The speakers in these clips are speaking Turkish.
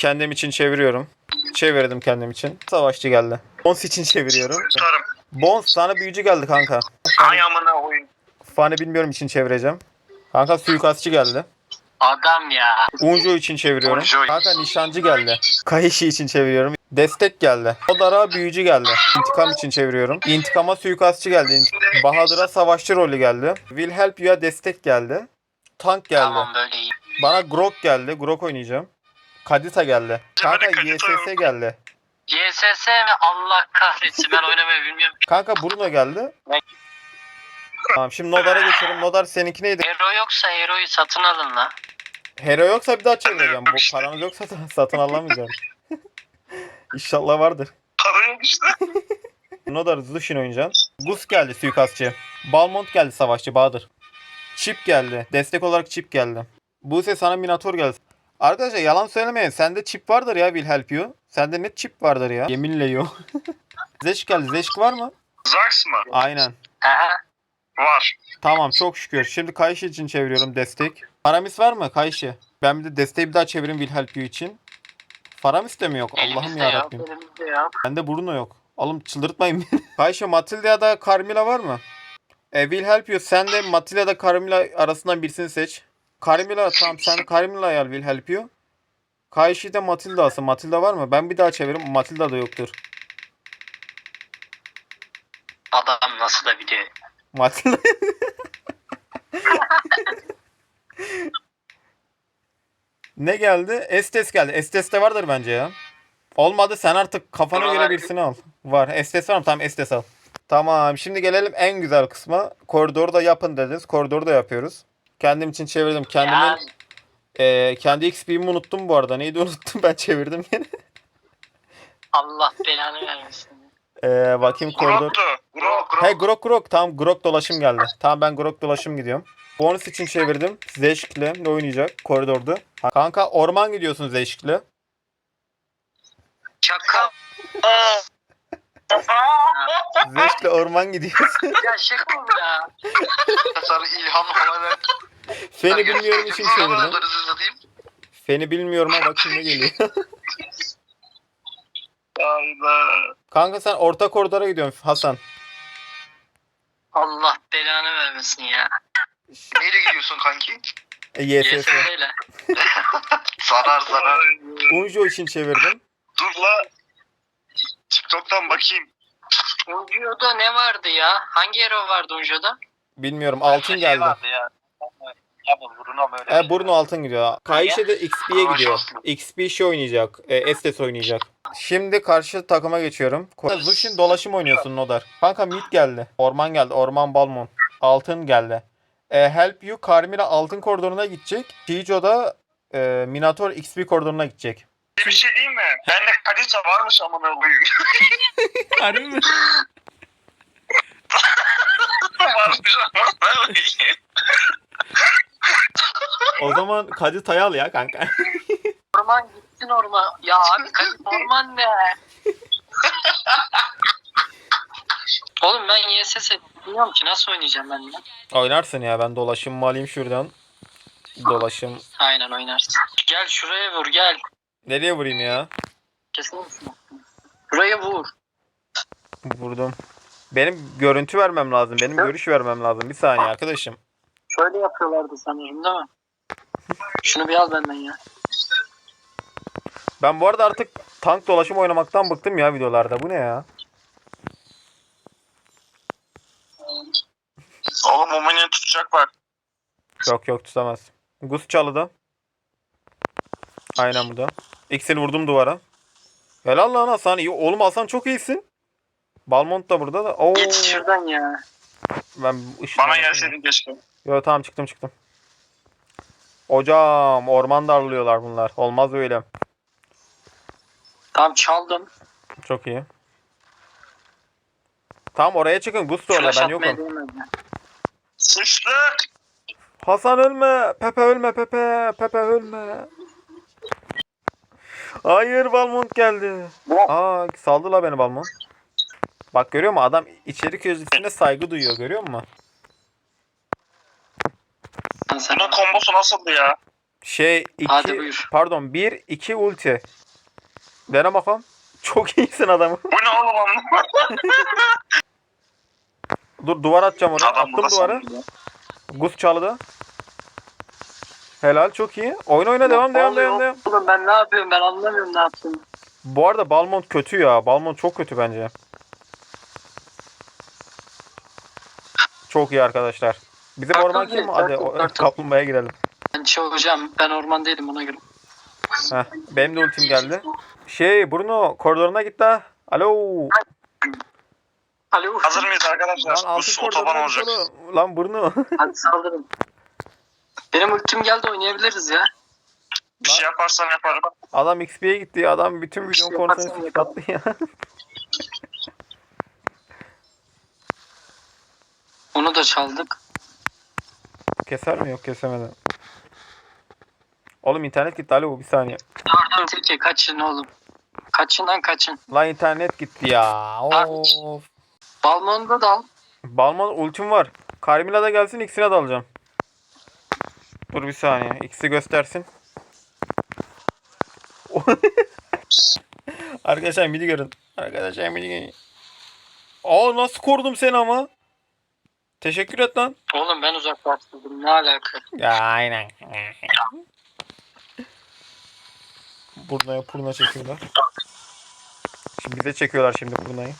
Kendim için çeviriyorum. Çevirdim kendim için. Savaşçı geldi. Bones için çeviriyorum. Tutarım. Bones sana büyücü geldi kanka. Ay amına koyayım. Fani bilmiyorum için çevireceğim. Kanka suikastçı geldi. Adam ya. Unjo için çeviriyorum. Unjo. Kanka nişancı geldi. Kaishi için çeviriyorum. Destek geldi. Odara büyücü geldi. İntikam için çeviriyorum. İntikama suikastçı geldi. Bahadır'a savaşçı rolü geldi. Will help you'a destek geldi. Tank geldi. Tamam böyle iyi. Bana Grok geldi. Grok oynayacağım. Kadita geldi. Kanka YSS geldi. YSS mi? Allah kahretsin, ben oynamayı bilmiyorum. Kanka Bruno geldi. Tamam şimdi Nodar'a geçelim. Nodar seninki neydi? Hero yoksa Hero'yu satın alın la. Hero yoksa bir daha çevireceğim. Bu paranız yoksa da satın alamayacağım. İnşallah vardır. Para yok işte. Nodar Zushin oynayacaksın. Gus geldi suikastçı. Balmont geldi savaşçı Bahadır. Chip geldi. Destek olarak Chip geldi. Buse sana Minotaur geldi. Arkadaşlar yalan söylemeyin. Sende chip vardır ya Will help you. Sende net chip vardır ya. Yeminle yok. Zeşk geldi. Zeşk var mı? Zax mı? Aynen. Aha. Var. Tamam çok şükür. Şimdi Kaishi için çeviriyorum destek. Faramis var mı Kaishi? Ben bir de desteği bir daha çevireyim Will help you için. Faramis de mi yok? Allah'ım Elimizde yarabbim. yok, elimizde yok. Bende Bruno yok. Oğlum çıldırtmayın beni. Kaishi, Matilda ya da Carmilla var mı? Will help you. Sen de Matilda ya da Carmilla arasından birisini seç. Carmilla tamam sen Carmilla'yı al Will help you. Kaishi de Matilda alsın. Matilda var mı? Ben bir daha çeviririm. Matilda da yoktur. Adam nasıl da biliyor. Matilda. Ne geldi? Estes geldi. Estes de vardır bence ya. Olmadı sen artık kafana göre birisini al. Var. Estes var mı? Tamam Estes al. Tamam şimdi gelelim en güzel kısma. Koridoru da yapın dediniz. Koridoru da yapıyoruz. Kendim için çevirdim. Kendi XP'mi unuttum bu arada. Neydi unuttum ben çevirdim yine. Allah belanı vermesin. Bakayım koridor. Grok. He Grok. Tamam Grok dolaşım geldi. Tamam ben Grok dolaşım gidiyorum. Bonus için çevirdim. Zeşk'le ne oynayacak koridorda? Kanka orman gidiyorsun Zeşk'le. Çakal. Zeşk'le orman gidiyorsun. Ya şaka mı ya? Sarı ilham havalar. Feni bilmiyorum için çevirdim. Feni bilmiyorum ama bakayım ne geliyor. Allah. Kanka sen orta koridora gidiyorsun Hasan. Allah belanı vermesin ya. Neyle gidiyorsun kanki? YSS. YSS'yle. Zarar. Unjo için çevirdim. Dur la. TikTok'tan bakayım. Unjo'da ne vardı ya? Hangi hero vardı Unjo'da? Bilmiyorum altın geldi. Vardı ya. Ya bu Bruno böyle. Bruno altın gidiyor. Kaishi de XP'ye Aa, gidiyor. şanslı. XP şey oynayacak. Estes oynayacak. Şimdi karşı takıma geçiyorum. Zushin dolaşım oynuyorsun Nodar. Kanka mid geldi. Orman geldi. Orman Balmon. Altın geldi. Help you Carmilla altın koridoruna gidecek. Chijo da Minotaur XP koridoruna gidecek. Bir şey diyeyim mi? Bende kalite varmış amına koyayım. Harbi mi? Varmış amına koyayım. O zaman Kadita'yı al ya kanka. Orman gitsin orman. Ya abi orman ne? Oğlum ben YSS bilmiyorum ki nasıl oynayacağım ben ya. Oynarsın ya ben dolaşımımı alayım şuradan. Dolaşım. Aynen oynarsın. Gel şuraya vur gel. Nereye vurayım ya? Kesinlikle. Şuraya vur. Vurdum. Benim görüntü vermem lazım. Benim görüş vermem lazım. Bir saniye arkadaşım. Şöyle yapıyorlardı sanırım değil mi? Şunu bir al benden ya. Ben bu arada artık tank dolaşım oynamaktan bıktım ya videolarda. Bu ne ya? Oğlum o beni tutacak bak. Yok tutamaz. Gus çalıda. Aynen bu da. X'ini vurdum duvara. Helal lan Hasan. İyi. Oğlum Hasan çok iyisin. Balmont da burada da. Oo. Git şuradan ya. Ben Bana gelseydin keşke. Yok tamam çıktım. Hocam orman darlıyorlar bunlar. Olmaz öyle. Tamam çaldım. Çok iyi. Tamam oraya çıkın. Gus da orada. Flash Ben atmaya yokum. değmedi. Sıçtık. Hasan ölme. Pepe ölme. Pepe ölme. Hayır Balmont geldi. Aa saldı la beni Balmont. Bak görüyor musun? Adam içerik özgürlüğüne saygı duyuyor. Görüyor musun? Bunun kombosu nasıldı ya? Hadi 2 buyur. pardon 1 2 ulti. Dene bakalım. Çok iyisin adamı. Bu ne oğlum? Dur duvar atacağım oraya. Adam Attım burada duvara. sanıyor. Gus çaldı. Helal çok iyi. Oyna devam. Oğlum ben ne yapıyorum, ben anlamıyorum ne yaptığımı. Bu arada Balmont kötü ya. Balmont çok kötü bence. Çok iyi arkadaşlar. Bizim Turtle orman kim? değil, Hadi Turtle. kaplumbağaya girelim. Ben hocam, ben orman değilim ona göre. Heh, benim de ultim geldi. Bruno koridoruna git la. Alo. Alo. Hazır mıyız arkadaşlar? Lan altın Bu otoban koridoruna olacak. git oğlum. Lan Bruno. Hadi saldırın. Benim ultim geldi, oynayabiliriz ya. Bir şey yaparsan yaparım. Adam XP'ye gitti. Adam bütün Bir şey videonun konusunu yaparsan sıkıntı ya. Onu da çaldık. Keser mi? Yok kesemedi. Oğlum internet gitti. Alo bir saniye. Dur Tilki, kaçın oğlum. Kaçın lan, kaçın. Lan internet gitti ya. Of. Balmon'da dal. Balmon ultim var. Carmilla da gelsin ikisine de alacağım. Dur bir saniye. İkisi göstersin. Arkadaşlar midi görün. Arkadaşlar midi görün. Aa nasıl korudum seni ama. Teşekkür et lan. Oğlum ben uzaklaştırdım, ne alaka? Ya aynen. Burnaya purna çekiyorlar. Şimdi bize çekiyorlar şimdi purnayı.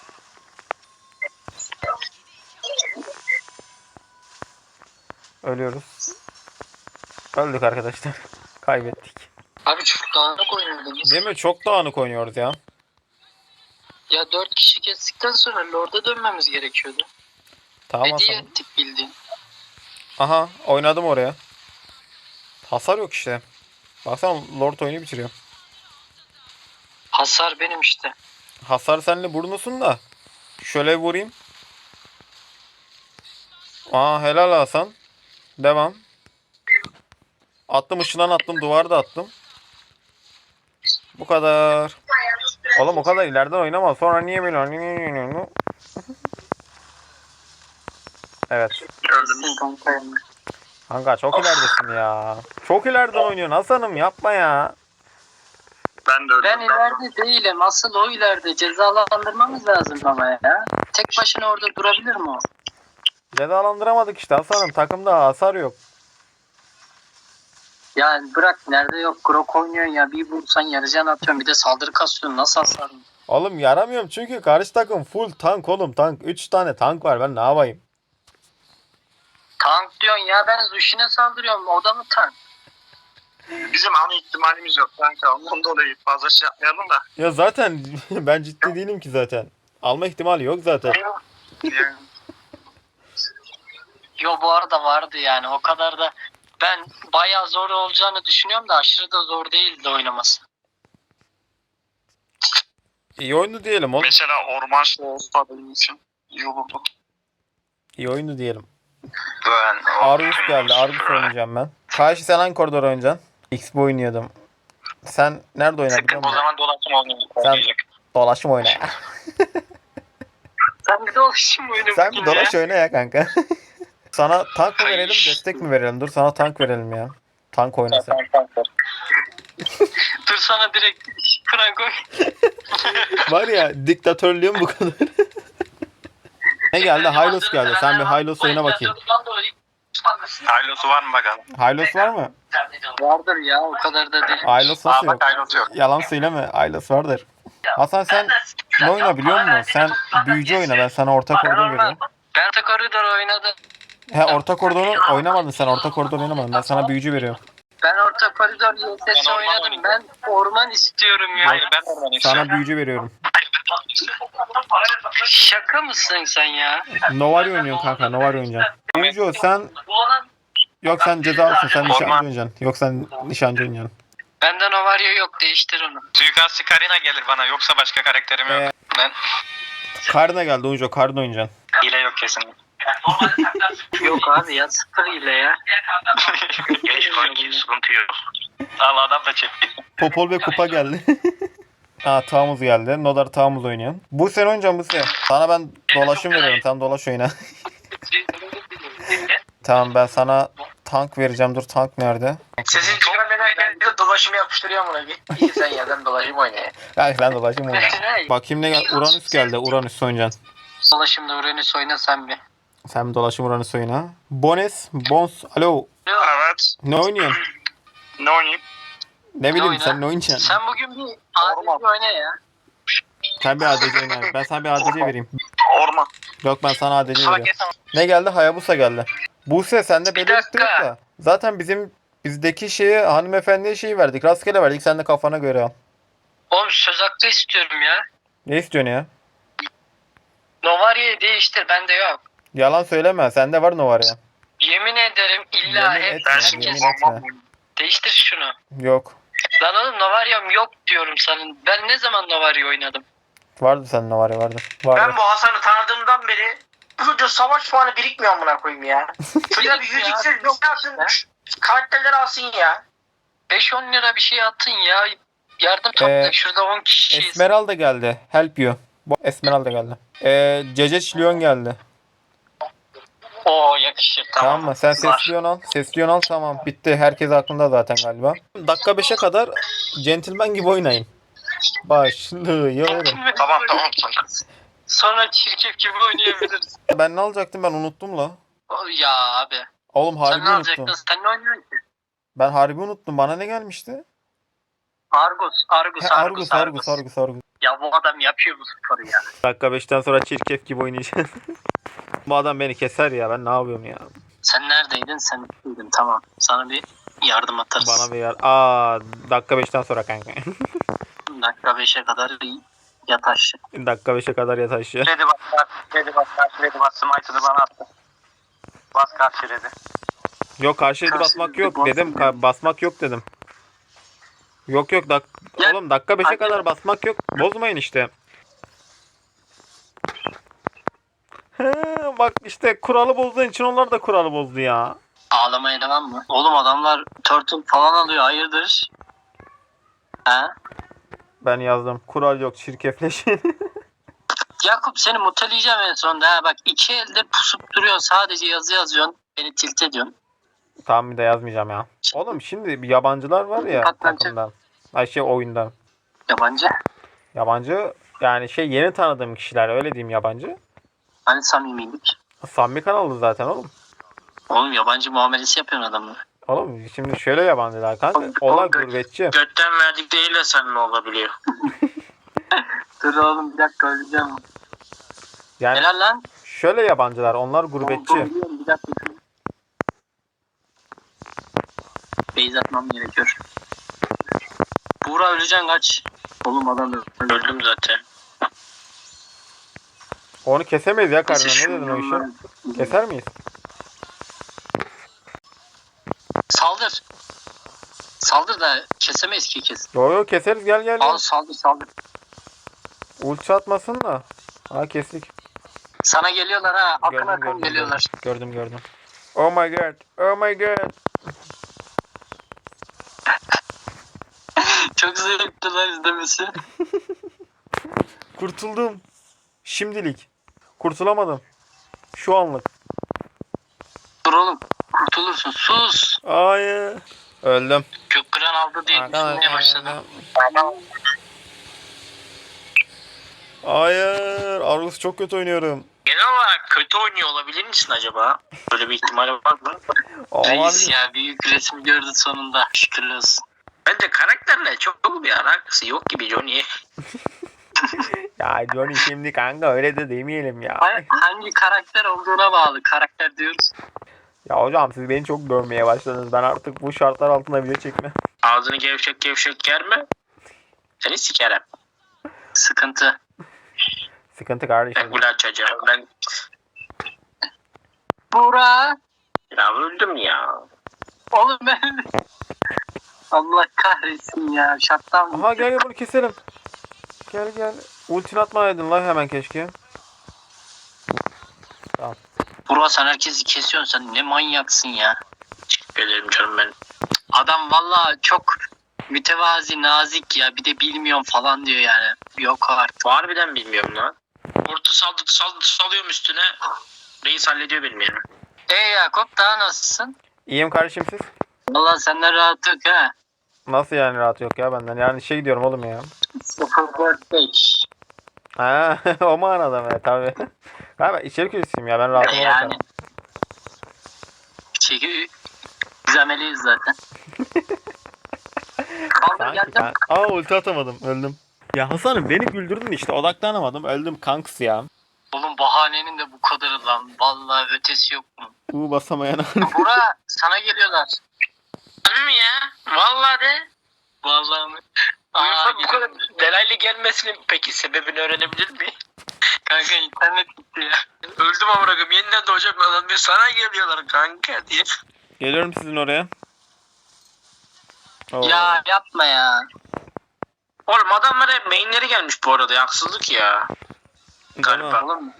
Ölüyoruz. Öldük arkadaşlar. Kaybettik. Abi çok dağınık oynuyordunuz. Değil mi? Çok dağınık oynuyoruz ya. Ya 4 kişi kestikten sonra Lord'a dönmemiz gerekiyordu. Tamam Hediye Hasan. ettik bildiğin. Aha oynadım oraya. Hasar yok işte. Baksana Lord oyunu bitiriyor. Hasar benim işte. Hasar senle burnusun da. Şöyle vurayım. Aa helal Hasan. Devam. Attım ışından attım. Duvarda attım. Bu kadar. Oğlum o kadar ileriden oynama. Sonra niye böyle? Evet. Kesin kanka yani. Kanka çok ileridesin ya. Çok ileriden oynuyorsun Hasan'ım yapma ya. Ben de öyle. Ben ileride değilim. Asıl o ileride. Cezalandırmamız lazım ama ya. Tek başına orada durabilir mi o? Cezalandıramadık işte Hasan'ım. Takımda hasar yok. Yani bırak, nerede yok. Grok oynuyorsun ya. Bir vursan yarıcan atıyorsun. Bir de saldırı kasıyorsun. Nasıl hasar? Oğlum yaramıyorum çünkü karşı takım full tank oğlum tank. 3 tane tank var ben ne yapayım? Tank diyorsun ya. Ben Zushin'e saldırıyorum. O da mı tank? Bizim ana ihtimalimiz yok kanka. Ondan dolayı fazla şey yapmayalım da. Ya zaten ben ciddi değilim ki zaten. Alma ihtimali yok zaten. Yani, Yo bu arada vardı yani. O kadar da ben bayağı zor olacağını düşünüyorum da aşırı da zor değildi oynaması. İyi oyundu diyelim oğlum. mesela orman şey olsa benim için iyi olurdu. İyi oyundu diyelim. Ben Argus geldi. Argus oynayacağım ben. Karşı sen hangi koridor oynayacaksın? XP oynuyordum. Sen nerede oynadın biliyor o musun? zaman dolaşım Sen dolaşım oyna ya. Sen bir de oluşum oyunu Sen bir dolaş oyna ya kanka. Sana tank mı verelim destek mi verelim? Dur sana tank verelim ya. Tank oynasın. Dur sana direkt kıran koy. Var ya diktatörlüğüm bu kadar. Ne geldi? Hylos geldi. Sen bir Hylos oyna bakayım. Haylosu var mı bakalım? Hylos var mı? Vardır ya, o kadar da değil. Hylos nasıl yok? haylosu yok. Yalan söyleme. Hylos vardır. Hasan sen ne oyna biliyor musun? Sen büyücü oyna. Ben sana orta koridor veriyorum. Ben de koridor oynadım. He orta koridoru oynamadın sen. Orta koridor oynamadın. Ben sana büyücü veriyorum. Ben orta koridor YSS Ben orman oynadım. oynadım. Ben orman istiyorum ya. Hayır ben orman istiyorum. Sana büyücü veriyorum. Şaka mısın sen ya? Novari oynuyorsun kanka. Novari oynayacaksın. Büyücü sen... Yok sen cezalısın. Sen nişancı Orman. oynayacaksın. Yok sen nişancı oynayacaksın. Benden o var ya, yok, değiştir onu. Suikastçı Karina gelir bana yoksa başka karakterim yok. Ben Karna geldi Unjo. Karna oynayacaksın. hile yok kesin. Yok abi ya, sıfır ile ya. Geç kanki sıkıntı yok. Allah adam da çekti. Popol ve Kupa geldi. Ha Tamuz geldi. Nodar Tamuz oynayan. Bu sen oynayacaksın bu sen. Sana ben dolaşım veriyorum. Sen dolaş oyna. Tamam ben sana tank vereceğim. Dur tank nerede? Sesin dolaşımı yapıştırıyorum buna bir. İyi sen yerden dolaşım oyna ya. Hadi ben dolaşayım oyuna. Bakayım ne geldi? Uranüs geldi. Uranüs oynayacaksın. Dolaşımda Uranüs oyna sen bir. Sen bir dolaşım Uranüs oyna. Bons. Alo. Evet. Ne oynuyorsun? Ne oynayayım? Ne bileyim oyna? sen ne oynayacaksın? Sen bugün bir ADC oyna ya. Sen bir ADC oyna. Ben sana bir ADC vereyim. Orman. Yok ben sana ADC Salak veriyorum. Ne geldi? Hayabusa geldi. Buse sende Bir belirtti yok dakika. da. Zaten bizdeki şeye hanımefendiye şeyi verdik. Rastgele verdik. Sen de kafana göre al. Oğlum söz hakkı istiyorum ya. Ne istiyorsun ya? Novaria'yı değiştir bende yok. Yalan söyleme. Sende var Novar ya. Yemin ederim illa Yemin hep etme, herkes yemin etme. değiştir şunu. Yok. Lan oğlum Novaria'm yok diyorum sana. Ben ne zaman Novaria oynadım? Vardı sende Novar ya vardı. Vardı. Ben bu Hasan'ı tanıdığımdan beri bu çocuğun savaş puanı birikmiyor amına koyayım ya. Çocuğa bir 100 Ya, iksir bir şey alsın. Karakterleri alsın ya. 5-10 lira bir şey atın ya. Yardım topla. Şurada 10 kişiyiz. Esmeralda geldi. Help you. Esmeralda geldi. Ceceç Leon geldi. Oo yakışır. Tamam mı? Sen Var. sesliyon al. Sesliyon al tamam. Bitti. Herkes aklında zaten galiba. Dakika 5'e kadar gentleman gibi oynayın. Başlıyorum. Tamam. Sonra çirkef gibi oynayabiliriz. Ben ne alacaktım ben unuttum la. Ya abi. Oğlum Sen harbi ne unuttum. alacaktın? Sen ne oynuyorsun ki? Ben harbi unuttum. Bana ne gelmişti? Argus. He, Argus. Ya bu adam yapıyor bu sporu ya. Dakika 5'ten sonra çirkef gibi oynayacağım. Bu adam beni keser ya. Ben ne yapıyorum ya? Sen neredeydin? Sen neredeydin? Tamam. Sana bir yardım atarız. Bana bir yer. Dakika 5'ten sonra kanka. Dakika 5'e kadar yat aşağı. Dakika 5'e kadar yat aşağı. Redi bas smite'ını bana attı. Bas karşı redi. Yok karşıydı Karşı basmak bir yok bas- dedim. Basmak yok dedim. Yok Ya- oğlum dakika 5'e Hadi. kadar basmak yok. Bozmayın işte. He, bak işte kuralı bozduğun için onlar da kuralı bozdu ya. Ağlamaya devam mı? Oğlum adamlar turtle falan alıyor. Hayırdır? Ha? Ben yazdım. Kural yok çirkefleşin. Yakup seni muteleyeceğim en sonunda. Ha. Bak iki elde pusup duruyorsun. Sadece yazı yazıyorsun. Beni tilt ediyorsun. Tamam bir de yazmayacağım ya. Oğlum şimdi bir yabancılar var ya Hakikaten. takımdan. Ay oyundan. Yabancı. Yabancı yani yeni tanıdığım kişiler öyle diyeyim yabancı. Hani samimiydik. Samimi kanalı zaten oğlum. Oğlum yabancı muamelesi yapıyorsun adamı. Oğlum şimdi şöyle yabancılar kanka. Onlar gurbetçi. Götten verdikleriyle seninle olabiliyor. Dur oğlum bir dakika öleceğim. Yani Helal lan. şöyle yabancılar onlar gurbetçi. Bir dakika. Beyz atmam gerekiyor. Buğra öleceksin kaç. Oğlum adam Öldüm zaten. Onu kesemeyiz ya karına. Ne dedin o işi? Keser miyiz? Saldır. Saldır da kesemeyiz ki kes. Yo keseriz gel. Al saldır. Ulti atmasın da. Ha kestik. Sana geliyorlar ha. Akın geliyorlar. Gördüm. Oh my god. Çok zevkli lan izlemesi. Kurtuldum. Şimdilik. Kurtulamadım. Şu anlık. Dur oğlum. Kurtulursun. Sus. Hayır. Öldüm. Gökkıran aldı diye düşünmeye başladım. Hayır. Argus çok kötü oynuyorum. Genel olarak kötü oynuyor olabilir misin acaba? Böyle bir ihtimal var mı? Reis ya büyük resmi gördü sonunda. Şükürler olsun. Bence karakterle çok bir alakası yok gibi Johnny. Ya Johnny şimdi kanka öyle de demeyelim ya. Hangi karakter olduğuna bağlı. Karakter diyoruz. Ya hocam siz beni çok görmeye başladınız. Ben artık bu şartlar altında video çekmem. Ağzını gevşek germe. Seni sikerim. Sıkıntı. Sıkıntı kardeşim. Ben gül açacağım. Ben Buğra. ya öldüm ya. Oğlum ben... Allah kahretsin ya. Şattan. Aha gel bunu keselim. Gel. Ultini atmayaydın lan hemen keşke. Buğra sen herkesi kesiyorsun. Sen ne manyaksın ya. Gelirim canım ben. Adam valla çok mütevazi, nazik ya. Bir de bilmiyorum falan diyor yani. Yok artık. Harbiden bilmiyorum lan. Kurtu salıyorum üstüne. Reis hallediyor benim yerimi. Yakup daha nasılsın? İyiyim kardeşim siz? Valla senden rahat yok ha. Nasıl yani rahat yok ya benden? Yani işe gidiyorum oğlum ya. 045. Ha o manada mı? Tabii. Galiba içerik üreticiyim ya ben rahatıma Yani. bakarım. Çünkü biz ameliyiz zaten. Kaldır Sanki geldim. ben... Aa ulti atamadım öldüm. Ya Hasan'ım beni güldürdün işte odaklanamadım öldüm kanks ya. Oğlum bahanenin de bu kadarı lan. Vallahi ötesi yok mu? Basamayan. Bura sana geliyorlar. Harbi mi ya? Vallahi de. Vallahi mi? Bu kadar delaylı gelmesinin peki sebebini öğrenebilir miyim? Kanka internet gitti ya. Öldüm amına koyayım. Yeniden doğacak bir adam diyor. Sana geliyorlar kanka diye. Geliyorum sizin oraya. Oo. Ya yapma ya. Oğlum adamlara mainleri gelmiş bu arada. Haksızlık ya. Galiba. Oğlum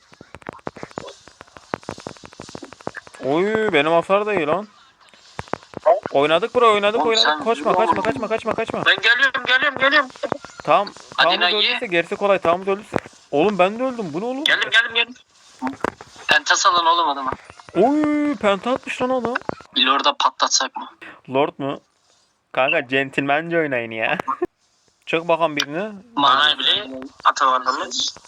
Oy benim hasar da iyi lan. Oynadık bro oynadık Oğlum oynadık. sen Koşma yürü kaçma oğlum. kaçma. Ben geliyorum. Tamam. Hadi Tamamız Nagi. öldüyse gerisi kolay. Tamamız öldüyse. Oğlum ben de öldüm. Bu ne oğlum? Geldim. pentas alın oğlum adamı. Oy penta atmış lan adam. Bir orada patlatsak mı? Lord mu? Kanka centilmence oynayın ya. Çık bakalım birini. Manay bile atamadığımız.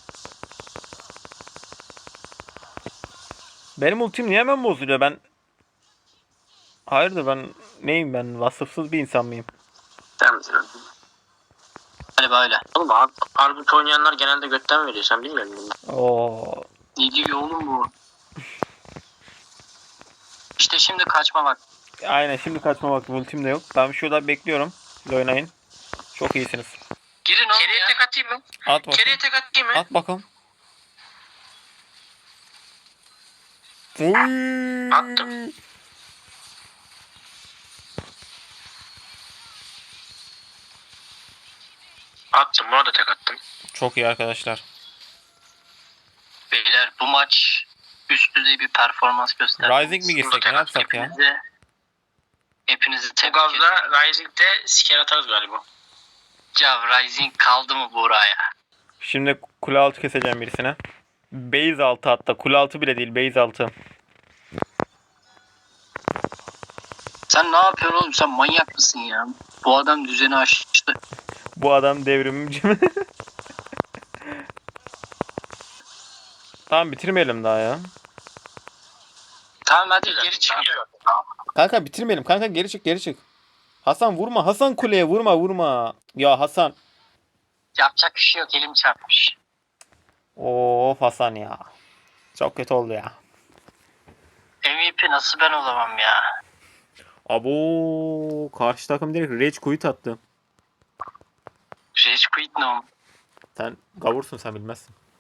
Benim ultim niye hemen bozuluyor? Ben... Hayırdır ben neyim ben? Vasıfsız bir insan mıyım? Tamam. Galiba öyle. Oğlum Arbut oynayanlar genelde götten veriyor. Sen bilmiyor musun? Oo. Ne diyor oğlum bu? İşte şimdi kaçma bak. Aynen şimdi kaçma vakti ultim de yok. Ben şurada bekliyorum. Siz oynayın. Çok iyisiniz. Girin oğlum Keriye ya. tek atayım mı? At bakalım. Keriye tek atayım mı? At bakalım. Oy. Attım. Attım. Buna da tek attım. Çok iyi arkadaşlar. Beyler bu maç üst düzey bir performans gösterdi. Rising mi girsek ne yapsak ya? Hepinizi Bu tebrik ederim. gazla Rising'de siker atarız galiba. Ya Rising kaldı mı buraya? Şimdi kule altı keseceğim birisine. Base altı hatta. Kule altı bile değil base altı. Sen ne yapıyorsun oğlum? Sen manyak mısın ya? Bu adam düzeni aştı. Bu adam devrimci mi? Tamam bitirmeyelim daha ya. Tamam hadi geri çık. Kanka bitirmeyelim. Kanka geri çık. Hasan vurma. Hasan kuleye vurma. Ya Hasan. Yapacak bir şey yok. Elim çarpmış. Of Hasan ya. Çok kötü oldu ya. MVP nasıl ben olamam ya? Abo karşı takım direkt rage quit attı. Rage quit ne oğlum? Sen gavursun sen bilmezsin.